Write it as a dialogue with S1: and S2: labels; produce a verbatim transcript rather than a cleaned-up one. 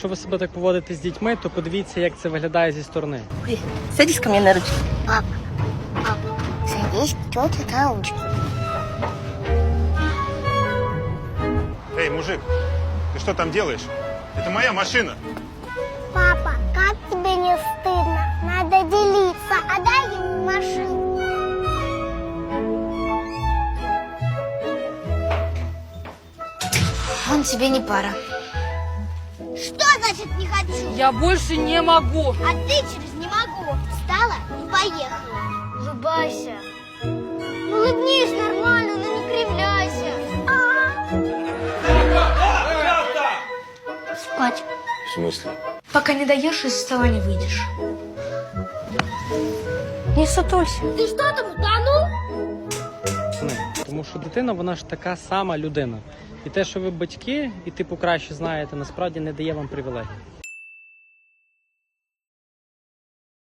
S1: Якщо ви себе так поводите з дітьми, то подивіться, як це виглядає зі сторони.
S2: Ой, садись ко мне на ручки.
S3: Пап, пап, садись тетя на ручку.
S4: Эй, мужик, ты что там делаешь? Это моя машина.
S3: Папа, как тебе не стыдно? Надо делиться. Отдай ему машину.
S5: Он тебе не пара.
S3: Что значит не хочу?
S5: Я больше не могу.
S3: А ты через не могу. Встала и поехала. Улыбайся. Улыбнись нормально, но не кривляйся. Спать.
S4: В смысле?
S5: Пока не доешь, из стола не выйдешь. Не сутулься.
S3: Ты что там утонул?
S1: Не. Тому що дитина, вона ж така сама людина. І те, що ви батьки, і типу краще знаєте, насправді не дає вам привілегій.